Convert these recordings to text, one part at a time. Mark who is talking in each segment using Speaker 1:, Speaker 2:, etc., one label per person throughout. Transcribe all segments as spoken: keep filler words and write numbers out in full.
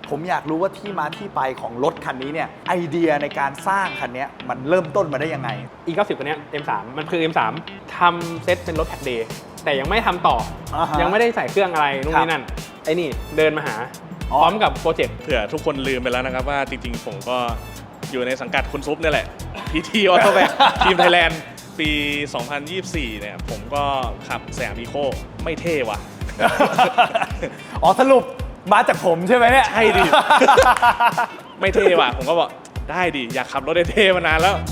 Speaker 1: ผมอยากรู้ว่าที่มาที่ไปของรถคันนี้เนี่ยไอเดียในการสร้างคันนี้มันเริ่มต้นมาได้ยังไง
Speaker 2: อี เก้าสิบ ตัวเนี้ย เอ็ม สาม มันคือ เอ็ม สาม ทำเซตเป็นรถแท็กเดย์แต่ยังไม่ทำต่อ
Speaker 1: uh-huh.
Speaker 2: ยังไม่ได้ใส่เครื่องอะไรนู่นนี่นั่นไอ้นี่เดินมาหาพร้อมกับโปรเจกต์
Speaker 3: เผื่อทุกคนลืมไปแล้วนะครับว่าจริงๆผมก็อยู่ในสังกัดคุณซุปนี่แหละ พี ที Autobac ทีมไทยแลนด์ปี สองพันยี่สิบสี่ เนี่ยผมก็ขับสยามอีโคไม่เท่ว่ะ
Speaker 1: อ๋อสรุปมาจากผมใช่ไหมเนี่ย
Speaker 3: ใช่ดิ ไม่เท่ว่ะผมก็บอกได้ดิอยากขับรถเท่ๆมานานแล้ว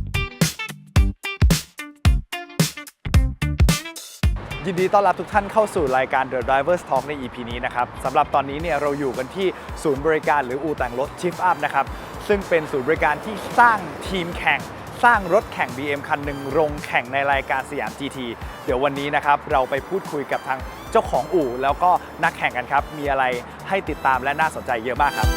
Speaker 1: ยินดีต้อนรับทุกท่านเข้าสู่รายการ The Drivers Talk ใน อี พี นี้นะครับสำหรับตอนนี้เนี่ยเราอยู่กันที่ศูนย์บริการหรืออู่แต่งรถ Shift Up นะครับซึ่งเป็นศูนย์บริการที่สร้างทีมแข่งสร้างรถแข่ง บี เอ็ม คันหนึ่งลงแข่งในรายการสยาม จี ที เดี๋ยววันนี้นะครับเราไปพูดคุยกับทางเจ้าของอู่แล้วก็นักแข่งกันครับมีอะไรให้ติดตามและน่าสนใจเยอะมากครับ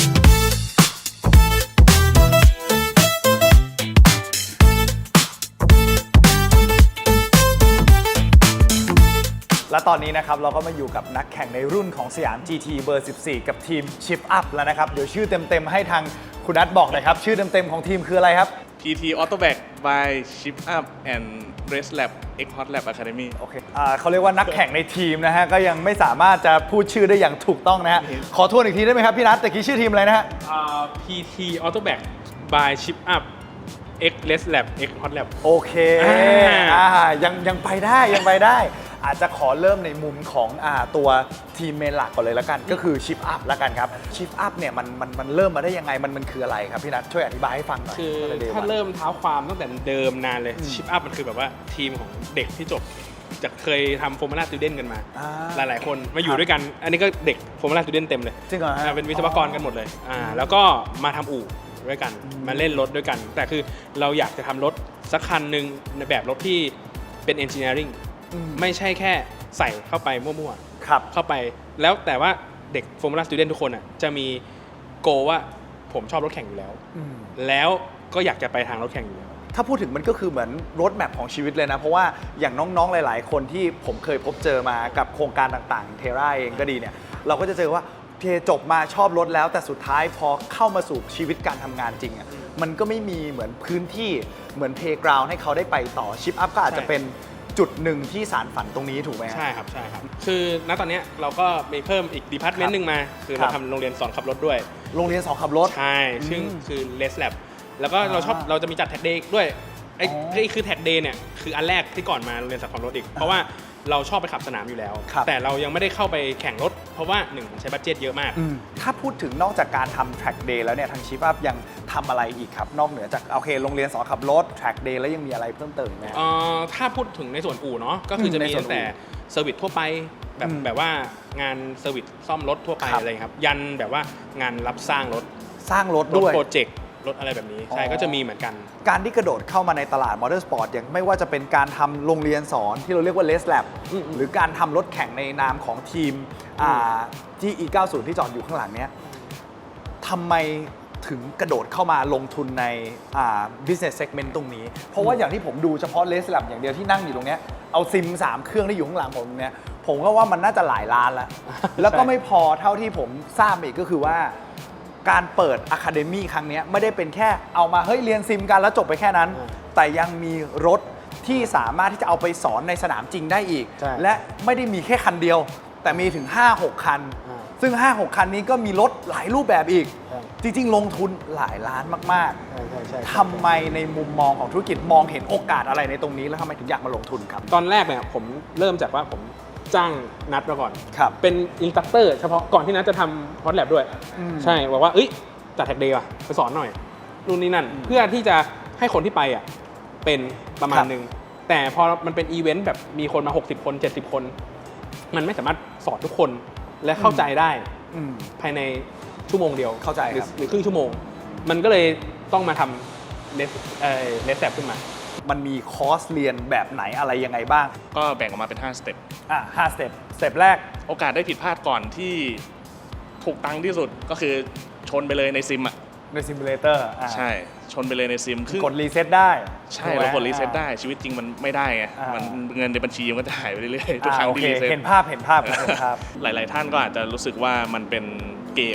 Speaker 1: และตอนนี้นะครับเราก็มาอยู่กับนักแข่งในรุ่นของสยาม จี ที เบอร์ สิบสี่ กับทีม Shift Up แล้วนะครับเดี๋ยวชื่อเต็มๆให้ทางคุณนัทบอกหน่อยครับชื่อเต็มๆของทีมคืออะไรครับ
Speaker 3: พี ที Autobac by Shift Up and Race Lab X Hot Lab Academy
Speaker 1: โอเคอ่าเขาเรียกว่านักแข่งในทีมนะฮะก็ยังไม่สามารถจะพูดชื่อได้อย่างถูกต้องนะฮะขอทวนอีกทีได้ไหมครับพี่นัทแต่กี้ชื่อทีมอะไรนะฮะ
Speaker 2: พี ที Autobac by Shift Up X Race Lab X Hot Lab
Speaker 1: โอเคอ่ายังยังไปได้ยังไปได้อาจจะขอเริ่มในมุมของอ่าตัวทีมเมนหลักก่อนเลยแล้วกันก็คือ Shift Up แล้วกันครับ Shift Up เนี่ยมันมันมันเริ่มมาได้ยังไงมันมันคืออะไรครับพี่นัทช่วยอธิบายให้ฟังหน่อย
Speaker 2: คือถ้าเริ่มเท้าความตั้งแต่เดิมนานเลย Shift Up มันคือแบบว่าทีมของเด็กที่จบจะเคยทำโฟร์มูล่าสตูเดนต์กันมาหลายๆคนมาอยู่ด้วยกันอันนี้ก็เด็กโฟร์มูล่าสตูเดนต์เต็มเลย
Speaker 1: จริงเหรอฮะ
Speaker 2: เป็นวิศวกรกันหมดเลยอ่าแล้วก็มาทำอู่ด้วยกันมาเล่นรถด้วยกันแต่คือเราอยากจะทำรถสักคันหนึ่งในแบบรถที่เป็น engineering ไม่ใช่แค่ใส่เข้าไปมั่วๆ
Speaker 1: ครับ
Speaker 2: เข้าไปแล้วแต่ว่าเด็ก Formula Student ทุกคนอ่ะจะมีโกว่าผมชอบรถแข่งอยู่แล้วแล้วก็อยากจะไปทางรถแข่งอยู่แล้ว
Speaker 1: ถ้าพูดถึงมันก็คือเหมือนรถแมพของชีวิตเลยนะเพราะว่าอย่างน้องๆหลายๆคนที่ผมเคยพบเจอมากับโครงการต่างๆเทราเองก็ดีเนี่ยเราก็จะเจอว่าเทจบมาชอบรถแล้วแต่สุดท้ายพอเข้ามาสู่ชีวิตการทำงานจริงอ่ะมันก็ไม่มีเหมือนพื้นที่เหมือนเพลย์กราวด์ให้เขาได้ไปต่อชิปอัพก็อาจจะเป็นจุดหนึ่งที่สารฝันตรงนี้ถูกไหม
Speaker 2: ใช่ครับใช่ครับคือณตอนนี้เราก็มีเพิ่มอีกดีพาร์ตเมนต์หนึ่งมาคือเราทำโรงเรียนสอนขับรถด้วย
Speaker 1: โรงเรียนสอนขับรถ
Speaker 2: ใช่ซึ่งคือ Race Lab แล้วก็เราชอบเราจะมีจัดแท็กเดย์ด้วยไอ้ไอ้คือแท็กเดย์เนี่ยคืออันแรกที่ก่อนมาโรงเรียนสอนขับรถอีกเพราะว่าเราชอบไปขับสนามอยู่แล้วแต่เรายังไม่ได้เข้าไปแข่งรถเพราะว่าหนึ่งใช้บัดเจ็ตเยอะมาก
Speaker 1: ถ้าพูดถึงนอกจากการทำ track day แล้วเนี่ยทาง Shift Up ยังทำอะไรอีกครับนอกเหนือจากโอเคโรงเรียนสอนขับรถ track day แล้วยังมีอะไรเพิ่มเติมไหม
Speaker 2: ถ้าพูดถึงในส่วนอู่เนาะก็คือจะมีตั้งแต่เซอร์วิสทั่วไปแบบแบบว่างานเซอร์วิสซ่อมรถทั่วไปอะไรครับยันแบบว่างานรับสร้างรถ
Speaker 1: สร้างรถด้วย
Speaker 2: โปรเจกต์รถอะไรแบบนี้ใช่ก็จะมีเหมือนกัน
Speaker 1: การที่กระโดดเข้ามาในตลาดมอเตอร์สปอร์ตอย่างไม่ว่าจะเป็นการทำโรงเรียนสอนที่เราเรียกว่า Race Lab หรือการทำรถแข่งในนามของทีมที่ อี เก้าสิบ ที่จอดอยู่ข้างหลังเนี้ยทำไมถึงกระโดดเข้ามาลงทุนใน business segment ตรงนี้เพราะว่าอย่างที่ผมดูเฉพาะ Race Lab อย่างเดียวที่นั่งอยู่ตรงนี้เอาซิมสามเครื่องที่อยู่ข้างหลังผมเนี้ยผมก็ว่ามันน่าจะหลายล้านแล้ว แล้วก็ไม่พอเท่าที่ผมทราบอีกก็คือว่าการเปิด Academy ครั้งนี้ไม่ได้เป็นแค่เอามาเฮ้ยเรียนซิมกันแล้วจบไปแค่นั้นแต่ยังมีรถที่สามารถที่จะเอาไปสอนในสนามจริงได้อีกและไม่ได้มีแค่คันเดียวแต่มีถึง ห้าหก คันซึ่ง ห้าหก คันนี้ก็มีรถหลายรูปแบบอีกจริงๆลงทุนหลายล้านมากๆทำไมในมุมมองของธุรกิจมองเห็นโอกาสอะไรในตรงนี้แล้วทำไมถึงอยากมาลงทุนครับ
Speaker 2: ตอนแรกเนี่ยผมเริ่มจากว่าผมจ้างนัดมาก่อนเป็นอินสตรัคเตอร์เฉพาะก่อนที่นัดจะทำฮอตแลบด้วยใช่บอกว่าเอ้ยจัดแท็กเดย์ว่ะไปสอนหน่อยนู่นนี่นั่นเพื่อที่จะให้คนที่ไปอ่ะเป็นประมาณนึงแต่พอมันเป็นอีเวนต์แบบมีคนมาหกสิบคนเจ็ดสิบคนมันไม่สามารถสอนทุกคนและเข้าใจได้ภายในชั่วโมงเดียว
Speaker 1: เข้าใจ
Speaker 2: หรือครึ่งชั่วโมงมันก็เลยต้องมาทำเลสเอ่อเลสแลบขึ้นมา
Speaker 1: มันมีคอร์สเรียนแบบไหนอะไรยังไงบ้าง
Speaker 3: ก็แบ่งออกมาเป็นห้าสเต็ป
Speaker 1: อ่ะห้าสเต็ปสเต็ปแรก
Speaker 3: โอกาสได้ผิดพลาดก่อนที่ถูกตังค์ที่สุดก็คือชนไปเลยในซิมอ่ะ
Speaker 1: ในซิมูเลเตอร์
Speaker 3: ใช่ชนไปเลยในซิม
Speaker 1: กดรีเซ็ตได้
Speaker 3: ใช่เรากดรีเซ็ตได้ชีวิตจริงมันไม่ได้ไงมันเงินในบัญชีมันก็จะหายไปเรื่อยๆทุกครั้งที่รีเซ็ต
Speaker 1: เห็นภาพเห็นภาพเห็นภาพ
Speaker 3: หลายๆท่านก็อาจจะรู้สึกว่ามันเป็นเกม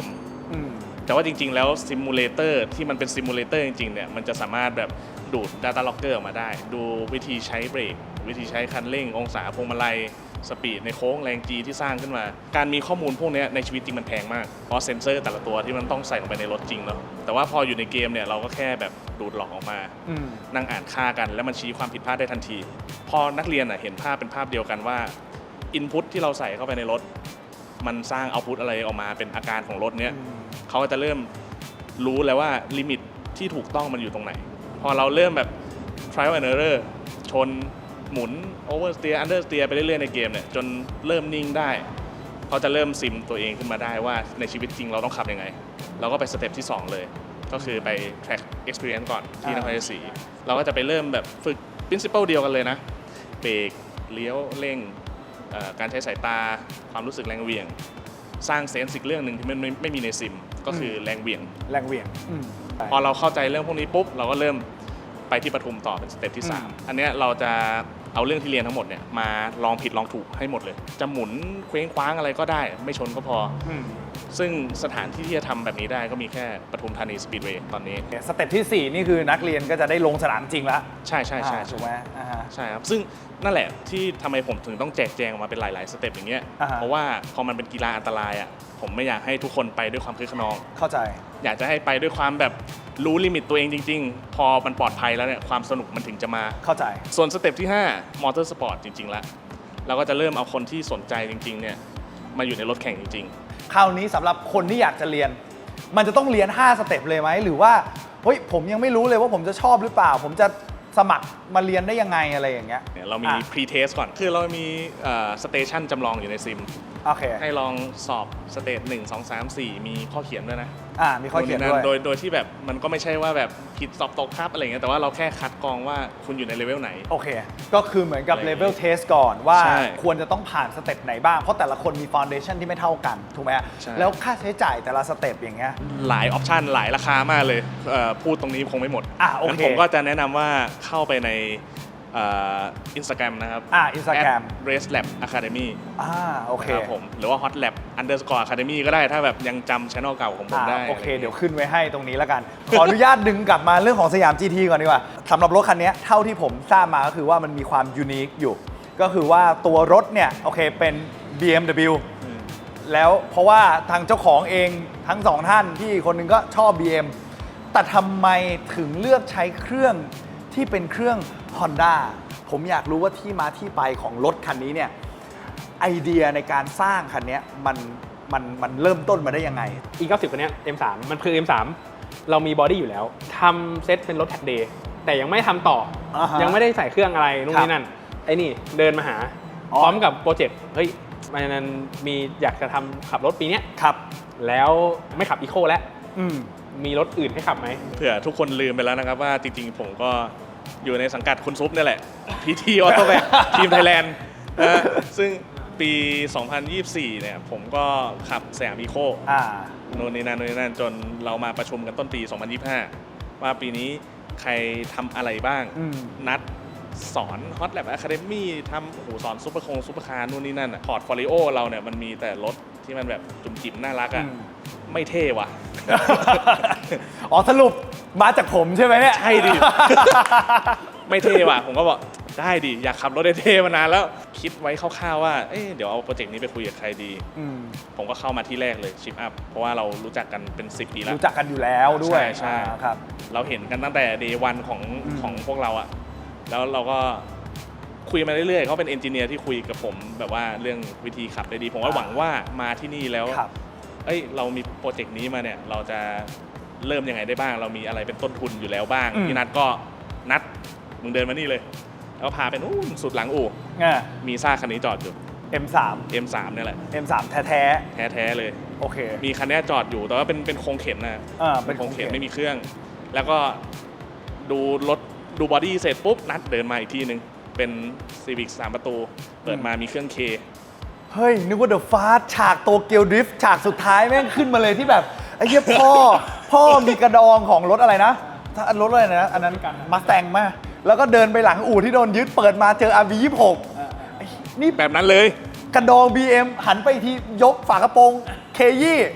Speaker 3: แต่ว่าจริงๆแล้วซิมูเลเตอร์ที่มันเป็นซิมูเลเตอร์จริงๆเนี่ยมันจะสามารถแบบดูด Data Logger ออกมาได้ดูวิธีใช้เบรกวิธีใช้คันเร่งองศาพวงมาลัยสปีดในโค้งแรง G ที่สร้างขึ้นมาการมีข้อมูลพวกนี้ในชีวิตจริงมันแพงมากเพราะเซนเซอร์แต่ละตัวที่มันต้องใส่ลงไปในรถจริงเนาะแต่ว่าพออยู่ในเกมเนี่ยเราก็แค่แบบดูดหลอกออกมานั่งอ่านค่ากันแล้วมันชี้ความผิดพลาดได้ทันทีพอนักเรียนเห็นภาพเป็นภาพเดียวกันว่าอินพุตที่เราใส่เข้าไปในรถมันสร้างเอาต์พุตอะไรออกมาเป็นอาการของรถเนี้ยเขาก็จะเริ่มรู้แล้วว่าลิมิตที่ถูกต้องมันอยู่ตรงไหนพอเราเริ่มแบบ trial and error ชนหมุน oversteer understeer ไปเรื่อยๆในเกมเนี่ยจนเริ่มนิ่งได้เขาจะเริ่มซิมตัวเองขึ้นมาได้ว่าในชีวิตจริงเราต้องขับยังไงเราก็ไปสเต็ปที่สองเลยก็คือไป track experience ก่อนที่นครชัยศรีเราก็จะไปเริ่มแบบฝึก principle เดียวกันเลยนะเบรกเลี้ยวเร่งการใช้สายตาความรู้สึกแรงเหวี่ยงสร้างเซนส์อีกเรื่องหนึ่งที่มันไม่ไม่มีในซิมก็คือแรงเหวี่ยง
Speaker 1: แรงเหวี่ยง
Speaker 3: พอเราเข้าใจเรื่องพวกนี้ปุ๊บเราก็เริ่มไปที่ปทุมต่อเป็นสเต็ปที่สามอันนี้เราจะเอาเรื่องที่เรียนทั้งหมดเนี่ยมาลองผิดลองถูกให้หมดเลยจะหมุนเคว้งคว้างอะไรก็ได้ไม่ชนก็พอซึ่งสถานที่ที่จะทำแบบนี้ได้ก็มีแค่ปทุมธานีสปีดเวย์ตอนนี้
Speaker 1: สเต็ปที่สี่นี่คือนักเรียนก็จะได้ลงสนามจริงแล้ว
Speaker 3: ใช่ใช่ใช่
Speaker 1: ถูกไหม
Speaker 3: ใช่ครับซึ่งนั่นแหละที่ทำไมผมถึงต้องแจกแจงออกมาเป็นหลายๆสเต็ปอย่างเงี้ยเพราะว่าพอมันเป็นกีฬาอันตรายอ่ะผมไม่อยากให้ทุกคนไปด้วยความคึกขนอง
Speaker 1: เข้าใจ
Speaker 3: อยากจะให้ไปด้วยความแบบรู้ลิมิตตัวเองจริงๆพอมันปลอดภัยแล้วเนี่ยความสนุกมันถึงจะมา
Speaker 1: เข้าใจ
Speaker 3: ส่วนสเต็ปที่ห้ามอเตอร์สปอร์ตจริงๆแล้วเราก็จะเริ่มเอาคนที่สนใจจริงๆเนี่ยมาอยู่ในรถแข่งจริง
Speaker 1: ๆคราวนี้สำหรับคนที่อยากจะเรียนมันจะต้องเรียนห้าสเต็ปเลยไหมหรือว่าเฮ้ยผมยังไม่รู้เลยว่าผมจะชอบหรือเปล่าผมจะสมัครมาเรียนได้ยังไงอะไรอย่างเงี้ย
Speaker 3: เรามี pre-test ก่อนคือเรามีสเตชันจำลองอยู่ในซิม
Speaker 1: โอเค
Speaker 3: ให้ลองสอบสเตจหนึ่ง สอง สาม สี่มีข้อเขียนด้วยนะ
Speaker 1: อ่ามีข้อเขียนด้วย
Speaker 3: โดยโดยที่แบบมันก็ไม่ใช่ว่าแบบผิดสอบตกครับอะไรเงี้ยแต่ว่าเราแค่คัดกรองว่าคุณอยู่ในเลเวลไหน
Speaker 1: โอเคก็คือเหมือนกับเลเวลเทสก่อนว่าควรจะต้องผ่านสเต็ปไหนบ้างเพราะแต่ละคนมีฟาวเดชั่นที่ไม่เท่ากันถูกไหมแล้วค่าใช้จ่ายแต่ละสเต็ปอย่างเงี้ย
Speaker 3: หลายออปชันหลายราคามากเลยพูดตรงนี้คงไม่หมด
Speaker 1: อ่ะโอเค
Speaker 3: ผมก็จะแนะนำว่าเข้าไปในอินสตาแกรมนะครับ
Speaker 1: อ่าอินสตาแกรม
Speaker 3: race lab academy
Speaker 1: อ่าโอเค
Speaker 3: ครับผมหรือว่า hot lab underscore academy ก็ได้ถ้าแบบยังจำ channel เก่าของผมได้
Speaker 1: โอเคเดี๋ยวขึ้นไว้ให้ตรงนี้แล้วกัน ขออนุญาตดึงกลับมาเรื่องของสยาม จี ที ก่อนดีกว่าสำหรับรถคันนี้เท่าที่ผมทราบมาก็คือว่ามันมีความยูนิคอยู่ก็คือว่าตัวรถเนี่ยโอเคเป็น บี เอ็ม ดับเบิลยู แล้วเพราะว่าทางเจ้าของเองทั้งสองท่านที่คนหนึ่งก็ชอบ บี เอ็ม แต่ทำไมถึงเลือกใช้เครื่องที่เป็นเครื่อง Hondaผมอยากรู้ว่าที่มาที่ไปของรถคันนี้เนี่ยไอเดียในการสร้างคันนี้มันมันมันเริ่มต้นมาได้ยังไง
Speaker 2: อี เก้าสิบ คันนี้ เอ็ม สาม มันคือ เอ็ม สาม เรามีบอดี้อยู่แล้วทำเซตเป็นรถแท็กเดย์แต่ยังไม่ทำต่อ uh-huh. ยังไม่ได้ใส่เครื่องอะไรนู่นนี่นั่นไอ้นี่เดินมาหา พร้อมกับโปรเจกต์เฮ้ยมันมีอยากจะทำขับรถปีนี้
Speaker 1: ครับ
Speaker 2: แล้วไม่ขับอีโคแล้วมีรถอื่นให้ขับไหม
Speaker 3: เผื่อทุกคนลืมไปแล้วนะครับว่าจริงๆผมก็อยู่ในสังกัดคุณซุปนี่แหละ พี ที Auto Back ทีมไทยแลนด์นะซึ่งปี สองพันยี่สิบสี่ เนี่ยผมก็ขับสยามอีโคโน่นนี่นั่นโน่นนี่นั่นจนเรามาประชุมกันต้นปี สองพันยี่สิบห้า ว่าปีนี้ใครทำอะไรบ้างนัดสอน Hot Lab Academy ทำโอ้โหสอนซุปเปอร์คงซุปเปอร์คาร์นู่นนี่นั่นพอร์ตโฟลิโอเราเนี่ยมันมีแต่รถที่มันแบบจุ่มจิ๋มน่ารักอ่ะไม่เท่ว่ะ
Speaker 1: อ๋อสรุปมาจากผมใช่ไหมเนี่ย
Speaker 3: ใช่ดิ ไม่เท่ว่ะผมก็บอกได้ดิอยากขับรถเท่มานานแล้วคิดไว้คร่าวๆว่าเอ๊ะเดี๋ยวเอาโปรเจกต์นี้ไปคุยกับใครดีผมก็เข้ามาที่แรกเลยชิปอัพเพราะว่าเรารู้จักกันเป็นสิบปีแล้ว
Speaker 1: รู้จักกันอยู่แล้วด้วย
Speaker 3: ใช่ใช่
Speaker 1: ครับ
Speaker 3: เราเห็นกันตั้งแต่เดย์วันของของพวกเราอะแล้วเราก็คุยมาเรื่อยๆเขาเป็นเอนจิเนียร์ที่คุยกับผมแบบว่าเรื่องวิธีขับได้ดีผมก็หวังว่ามาที่นี่แล้วเอ้ยเรามีโปรเจกต์นี้มาเนี่ยเราจะเริ่มยังไงได้บ้างเรามีอะไรเป็นต้นทุนอยู่แล้วบ้างพี่นัทก็นัดมึงเดินมานี่เลยแล้วพาเป็นอู้สุดหลังอู่มีซ่าคันนี้จอดอยู่
Speaker 1: เอ็ม สาม
Speaker 3: เอ็ม สาม เนี่ยแหละ
Speaker 1: เอ็ม สาม แท้
Speaker 3: ๆแท้ๆเลย
Speaker 1: โอเค
Speaker 3: มีคันนี้จอดอยู่แต่ว่าเป็นเป็นโครงเข็นนะเป็นโครงเข็นไม่มีเครื่องแล้วก็ดูรถดูบอดี้เสร็จปุ๊บนัดเดินมาอีกทีนึงเป็น Civic สามประตูเปิดมามีเครื่อง K
Speaker 1: เฮ้ยนึกว่าเดอะฟาสฉากโตเกียวดริฟต์ฉากสุดท้ายแม่งขึ้นมาเลยที่แบบไอ้เหี้ยพ่อพ่อมีกระดองของรถอะไรนะรถอะไรนะอันนั้นมาสแตงมาแล้วก็เดินไปหลังอู่ที่โดนยึดเปิดมาเจอ อาร์ วี ยี่สิบหกนี่
Speaker 3: แบบนั้นเลย
Speaker 1: กระดอง บี เอ็ม หันไปทียกฝากระโปรงเคยี่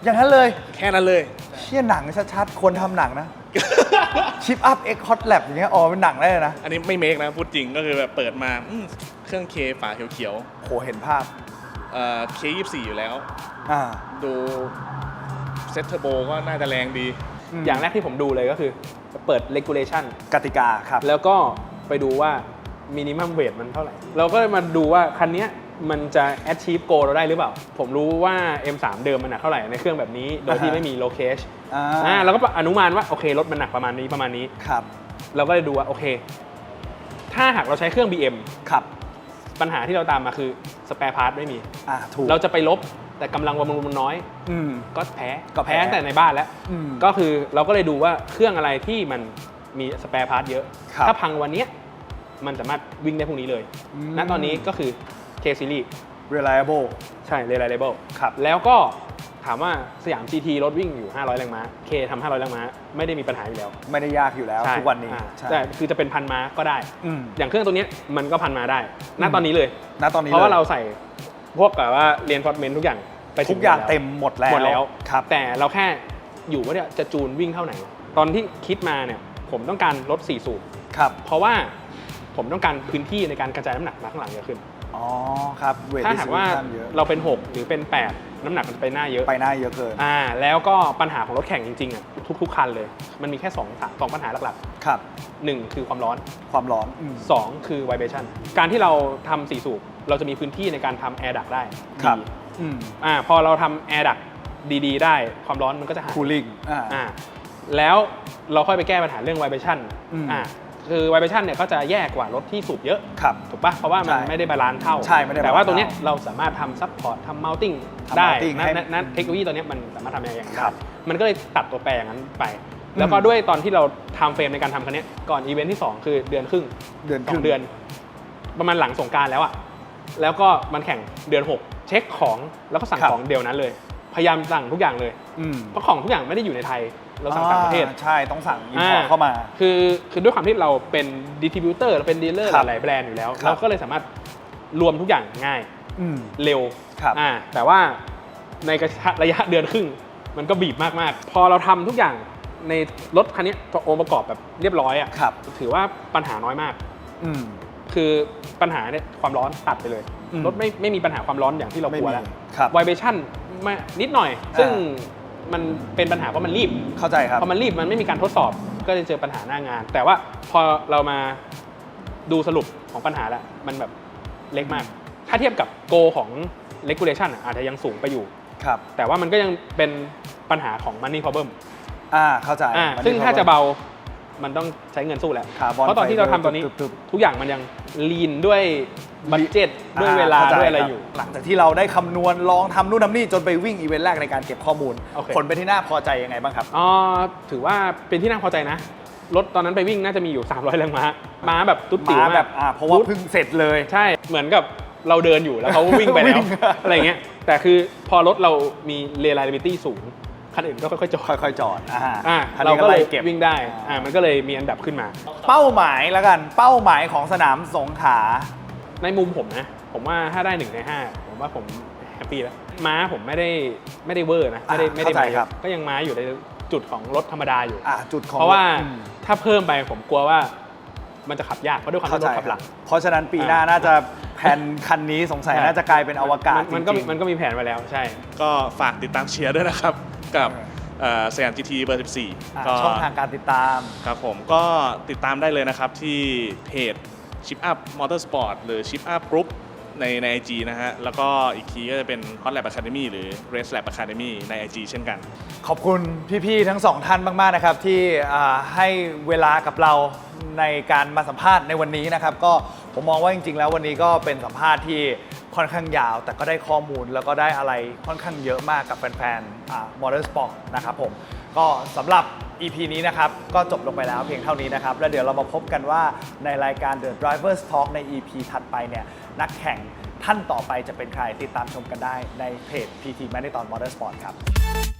Speaker 1: อย่างนั้นเลย
Speaker 3: แค่นั้นเลย
Speaker 1: เชี่ยหนังชัดๆคนทำหนังนะชิปอัพเอ็กฮอตแลบอย่างเงี้ยอ๋อเป็นหนังได้เลยนะ
Speaker 3: อันนี้ไม่เมคนะพูดจริงก็คือแบบเปิดมาอืมเครื่องเคฝาเขียว
Speaker 1: โหเห็นภาพ
Speaker 3: ๆเอ่อเคยี่สิบสี่อยู่แล้ว
Speaker 1: อ่า
Speaker 3: ดูเซตเทอร์โบก็น่าจะแรงดี
Speaker 2: อย่างแรกที่ผมดูเลยก็คือเปิด regulation
Speaker 1: กติกาครับ
Speaker 2: แล้วก็ไปดูว่า minimum weight มันเท่าไหร่ เราก็เลยมาดูว่าคันเนี้ยมันจะ achieve goal เราได้หรือเปล่า ผมรู้ว่า เอ็ม สาม เดิมมันหนักเท่าไหร่ในเครื่องแบบนี้ โดยที่ไม่มี low cage
Speaker 1: อ่า
Speaker 2: อ่าเราก็อนุมานว่าโอเครถมันหนักประมาณนี้ประมาณนี้
Speaker 1: ครับ
Speaker 2: เราก็เลยดูว่าโอเค ถ้าหากเราใช้เครื่อง บี เอ็ม
Speaker 1: ครับ
Speaker 2: ปัญหาที่เราตามมาคือ spare part ไม่มี
Speaker 1: อ่าถูก
Speaker 2: เราจะไปลบแต่กำลังบำรุงมันน้อย
Speaker 1: อืม
Speaker 2: ก็แพ้
Speaker 1: ก็แพ้
Speaker 2: ตั้งแต่ในบ้านแล้ว
Speaker 1: อืม
Speaker 2: ก็คือเราก็เลยดูว่าเครื่องอะไรที่มันมีสเปร์พาร์ทเยอะ
Speaker 1: ครับ
Speaker 2: ถ้าพังวันเนี้ยมันสามารถวิ่งได้พรุ่งนี้เลย
Speaker 1: อืม
Speaker 2: ณตอนนี้ก็คือ K Series
Speaker 1: reliable
Speaker 2: ใช่ reliable
Speaker 1: ครับ
Speaker 2: แล้วก็ถามว่าสยาม จี ที รถวิ่งอยู่ ห้าร้อย แรงม้า K ทำห้าร้อย แรงม้า ไม่ได้มีปัญหาอยู่แล้ว
Speaker 1: ไม่ได้ยากอยู่แล้ว
Speaker 2: ใช่
Speaker 1: ทุกวันนี้
Speaker 2: อ่า
Speaker 1: ใช่
Speaker 2: แต่คือจะเป็นพันม้าก็ได้
Speaker 1: อืม
Speaker 2: อย่างเครื่องตัวเนี้ยมันก็พันม้าได้ ณตอนนี้เลย
Speaker 1: ณตอนนี้
Speaker 2: เพราะว่า
Speaker 1: ลย
Speaker 2: เราใส่พวกแบบว่า reinforcement ทุกอย่างไปถึ
Speaker 1: ทุกอย่าง
Speaker 2: หดแล้ว
Speaker 1: เต็มหมดแล้ว
Speaker 2: หมดแล้ว
Speaker 1: ครับ
Speaker 2: แต่เราแค่อยู่ว่าเนี่ยจะจูนวิ่งเท่าไหร่ ตอนที่คิดมาเนี่ยผมต้องการรถสี่สูบ
Speaker 1: ครับ
Speaker 2: เพราะว่าผมต้องการพื้นที่ในการกระจายน้ำหนักมาข้างหลังเยอะขึ้น
Speaker 1: อ๋อครับเวท
Speaker 2: ถ้าหากว่า
Speaker 1: เยอะ
Speaker 2: เราเป็นหกหรือเป็นแปดน้ำหนักมันจะไปหน้าเยอะ
Speaker 1: ไปหน้าเยอะเกิน
Speaker 2: อ่าแล้วก็ปัญหาของรถแข่งจริงๆอ่ะทุกๆคันเลย มันมีแค่สองสองปัญหาหลัก
Speaker 1: ครับ
Speaker 2: ๆหนึ่งคือความร้อน
Speaker 1: ความร้อนอืม
Speaker 2: สองคือ vibration การที่เราทำสี่สูบเราจะมีพื้นที่ในการทำ air duct ได้
Speaker 1: ครับ
Speaker 2: ดี
Speaker 1: อืม
Speaker 2: อ่าพอเราทำ air duct ดีๆ ได้ความร้อนมันก็จะหาย
Speaker 1: cooling อ่า
Speaker 2: อ่าแล้วเราค่อยไปแก้ปัญหาเรื่อง vibration
Speaker 1: อืม
Speaker 2: อ่าคือ vibration เนี่ยก็จะแย่กว่ารถที่สูบเยอะ
Speaker 1: ครับ
Speaker 2: ถูกปะเพราะว่ามัน
Speaker 1: ใช่
Speaker 2: ไม่ได้บาลานซ์เท่า
Speaker 1: ใช่ไม่ได้
Speaker 2: แต่ว่า
Speaker 1: balance
Speaker 2: ตรงเนี้ย
Speaker 1: เท่า
Speaker 2: เราสามารถทำ support ทำ mounting
Speaker 1: ทำ
Speaker 2: ได้
Speaker 1: mounting
Speaker 2: นั่
Speaker 1: ให้
Speaker 2: นนั่นเทคโนโลยีตัวเนี้ยมันสามารถทำอย่างนั้น
Speaker 1: ครับ
Speaker 2: มันก็เลยตัดตัวแปรอย่างนั้นไป แล้วก็ด้วยตอนที่เราทำเฟรมในการทำคันเนี้ยก่อนอีเวนท์ที่สองคือเดือนครึ่ง
Speaker 1: เดือน
Speaker 2: ส
Speaker 1: ค
Speaker 2: อ
Speaker 1: รึ่
Speaker 2: ง
Speaker 1: ง
Speaker 2: เดือน ประมาณหลังสงกรานต์แล้วอะแล้วก็มันแข่งเดือนหกเช็คของแล้วก็สั่ง
Speaker 1: ครับ
Speaker 2: ของเดียวนั้นเลย พยายามสั่งทุกอย่างเลย
Speaker 1: อืม
Speaker 2: เพราะของทุกอย่างไม่ได้อยู่ในไทย เราสั่งต่างประเทศ
Speaker 1: อ่าใช่ต้องสั่ง import เข้ามา
Speaker 2: คือคือด้วยความที่เราเป็นดิสติบิวเตอร์เราเป็นดีลเลอร์
Speaker 1: ครับ
Speaker 2: หลายๆแบรนด์อยู่แล้ว
Speaker 1: ครับ
Speaker 2: เราก็เลยสามารถรวมทุกอย่างง่าย
Speaker 1: อืม
Speaker 2: เร็ว
Speaker 1: ครับ
Speaker 2: อ่าแต่ว่าในกระยะระยะเดือนครึ่ง มันก็บีบมากๆ พอเราทำทุกอย่างในรถคันนี้องค์ประกอบแบบเรียบร้อยอ่ะ
Speaker 1: ครับ
Speaker 2: ถือว่าปัญหาน้อยมาก
Speaker 1: อืม
Speaker 2: คือปัญหาเนี่ยความร้อนตัดไปเลย
Speaker 1: อืม
Speaker 2: รถไม่ไม่มีปัญหาความร้อนอย่างที่เรากลัวแล้ว
Speaker 1: ไม่มีครับ
Speaker 2: ไวเบชั่นไม่นิดหน่อย ซึ่ง
Speaker 1: อ่
Speaker 2: มันเป็นปัญหาเพราะมันรีบ
Speaker 1: เข้าใจครับ
Speaker 2: พอมันรีบมันไม่มีการทดสอบก็จะเจอปัญหาหน้างาน แต่ว่าพอเรามาดูสรุปของปัญหาแล้วมันแบบเล็กมาก ถ้าเทียบกับโกของ regulation อะอาจจะยังสูงไปอยู่
Speaker 1: ครับ
Speaker 2: แต่ว่ามันก็ยังเป็นปัญหาของ money problem
Speaker 1: อ่าเข้าใจ
Speaker 2: อ่า
Speaker 1: มัน
Speaker 2: ซึ่ง
Speaker 1: มี
Speaker 2: ถ้าจะ
Speaker 1: ความ
Speaker 2: เบามันต้องใช้เงินสู้แหละ
Speaker 1: คาร์บอน
Speaker 2: เพราะตอนที่เราทำตอนนี้
Speaker 1: ตึบ
Speaker 2: ทุกอย่างมันยังลีนด้วยบัตเจ็ตด้วยเวลา
Speaker 1: ข้ใจ
Speaker 2: ด้วยอะไร
Speaker 1: คบ
Speaker 2: อยู่
Speaker 1: หลังจากที่เราได้คำนวณลองทำนู่นทำนี่จนไปวิ่งอีเวนต์แรกในการเก็บข้อมูล
Speaker 2: โอเค
Speaker 1: ผลเป็นที่น่าพอใจยังไงบ้างครับ
Speaker 2: อ๋อถือว่าเป็นที่น่าพอใจนะ รถตอนนั้นไปวิ่งน่าจะมีอยู่ สามร้อย แรงม้า ม้าแบบตุ๊ดติ๋ว
Speaker 1: มาแบ
Speaker 2: มา
Speaker 1: บ
Speaker 2: ก
Speaker 1: อ่าเพราะว่าเพิ่งเสร็จเลย
Speaker 2: ใช่ เหมือนกับเราเดินอยู่แล้วเขาวิ่งไป
Speaker 1: วิ่
Speaker 2: แล้ว
Speaker 1: ง
Speaker 2: อะไรเงี้ย แต่คือพอรถเรามี reliability สูง คันอื่นก็ค่อยๆจอด
Speaker 1: ค่อยๆจอดอ่า
Speaker 2: อ่า
Speaker 1: คัน
Speaker 2: เรา
Speaker 1: นี้
Speaker 2: ก็เลย
Speaker 1: ไเก็บ
Speaker 2: วิ่งได้ อ่า มันก็เลยมีอันดับขึ้นมา
Speaker 1: เป้าหมายแล้วกัน เป้าหมายของสนามสงขลา
Speaker 2: ในมุมผมนะ ผมว่าถ้าได้หนึ่งในห้าผมว่าผมแฮปปี้แล้ว ม้าผมไม่ได้ไม่ได้เวอร์นะ ไม่ได้
Speaker 1: อ่ะ
Speaker 2: ไม่ได้
Speaker 1: เข้าใจ
Speaker 2: มาเย
Speaker 1: ครั
Speaker 2: อะ
Speaker 1: บ
Speaker 2: ก็ยังม้าอยู่ในจุดของรถธรรมดาอยู่
Speaker 1: อ่าจุดของ
Speaker 2: เพราะว่า
Speaker 1: อืม
Speaker 2: ถ้าเพิ่มไปผมกลัวว่ามันจะขับยาก เพราะด้วยความ
Speaker 1: เข้า
Speaker 2: ที่
Speaker 1: ใจ
Speaker 2: รถขับ
Speaker 1: ค
Speaker 2: ห
Speaker 1: รั
Speaker 2: ลั
Speaker 1: บ
Speaker 2: ง
Speaker 1: เพราะฉะนั้นปีหน้า
Speaker 2: อ่า
Speaker 1: น่าจะแผนคันนี้สงสัย
Speaker 2: ใช่
Speaker 1: น่าจะกลายเป็นอวกาศ
Speaker 2: มันก็
Speaker 1: จริงๆ
Speaker 2: มันก็มีแผนไว้แล้วใช่
Speaker 3: ก็ฝากติดตามเชียร์ด้วยนะครับ กับเอ่อสยาม จี ที เบอร์ สิบสี่
Speaker 1: อ่า
Speaker 3: ก็
Speaker 1: ช่องทางการติดตาม
Speaker 3: ครับผมก็ติดตามได้เลยนะครับที่เพจ Chip Up Motorsport หรือ Chip Up Group ในใน ไอ จี นะฮะ แล้วก็อีกทีก็จะเป็น Hot Lab Academy หรือ Race Lab Academy ใน ไอ จี เช่นกัน
Speaker 1: ขอบคุณพี่ๆทั้งสองท่านมากๆนะครับที่อ่าให้เวลากับเราในการมาสัมภาษณ์ในวันนี้นะครับก็ผมมองว่าจริงๆแล้ววันนี้ก็เป็นสัมภาษณ์ที่ค่อนข้างยาว แต่ก็ได้ข้อมูลแล้วก็ได้อะไรค่อนข้างเยอะมากกับแฟนๆอ่า Motorsport นะครับผมก็สำหรับ อี พี นี้นะครับก็จบลงไปแล้วเพียงเท่านี้นะครับแล้วเดี๋ยวเรามาพบกันว่าในรายการ The Drivers Talk ใน อี พี ถัดไปเนี่ยนักแข่งท่านต่อไปจะเป็นใครติดตามชมกันได้ในเพจ พี ที Marathon Motorsport ครับ